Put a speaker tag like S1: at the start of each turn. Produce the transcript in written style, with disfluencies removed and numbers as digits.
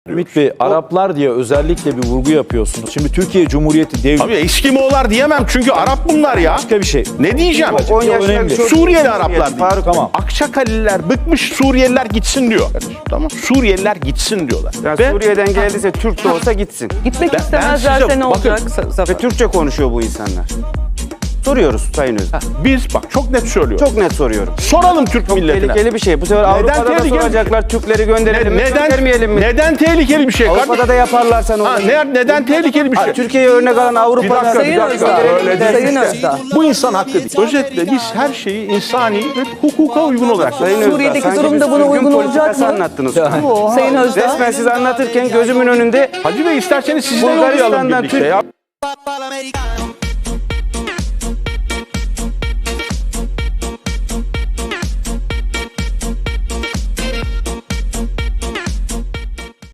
S1: Ümit Bey, Araplar diye özellikle bir vurgu yapıyorsunuz. Şimdi Türkiye Cumhuriyeti devleti.
S2: Abi Eskimoğullar diyemem çünkü Arap bunlar ya.
S1: Başka bir şey.
S2: Ne diyeceğim?
S1: Önemli.
S2: Suriyeli Araplar diyor.
S1: Faruk, tamam.
S2: Akçakaliler bıkmış, Suriyeliler gitsin diyor. Tamam. Suriyeliler gitsin diyorlar.
S3: Ya
S2: Ve
S3: Suriye'den geldiyse Türk de olsa gitsin.
S4: Gitmek
S2: Ben
S4: istemezlerse
S2: size-
S4: ne
S2: bakın,
S4: olacak?
S3: Ve Türkçe konuşuyor bu insanlar. Soruyoruz Sayın Özdağ.
S2: biz bak çok net söylüyorum.
S3: Çok net soruyorum.
S2: Soralım Türk
S3: Çok
S2: milletine.
S3: tehlikeli bir şey. Bu sefer Avrupa'da da
S2: tehlikeli bir
S3: soracaklar. Türkleri gönderelim mi? Göndermeyelim mi?
S2: Neden tehlikeli bir şey?
S3: Avrupa'da da yaparlarsa ne
S2: Ha,
S3: olur?
S2: neden tehlikeli bir şey?
S3: Türkiye'ye örnek alan Avrupa'da...
S4: Sayın Özdağ, Sayın Özdağ.
S2: Bu insan hakkı değil. Özetle biz her şeyi insani ve hukuka uygun olarak
S3: Sayın Özdağ,
S4: Suriye'deki
S3: sanki
S4: durum
S3: bir
S4: da buna
S3: sürgün
S4: uygun olacak
S3: politikası
S4: mı?
S3: anlattınız.
S4: Sayın Özdağ.
S3: Resmen siz anlatırken gözümün önünde
S2: Hacı Bey isterseniz sizi de yollayalım
S3: Bulgaristan'dan
S2: birlikte ya.
S5: Papa l'americana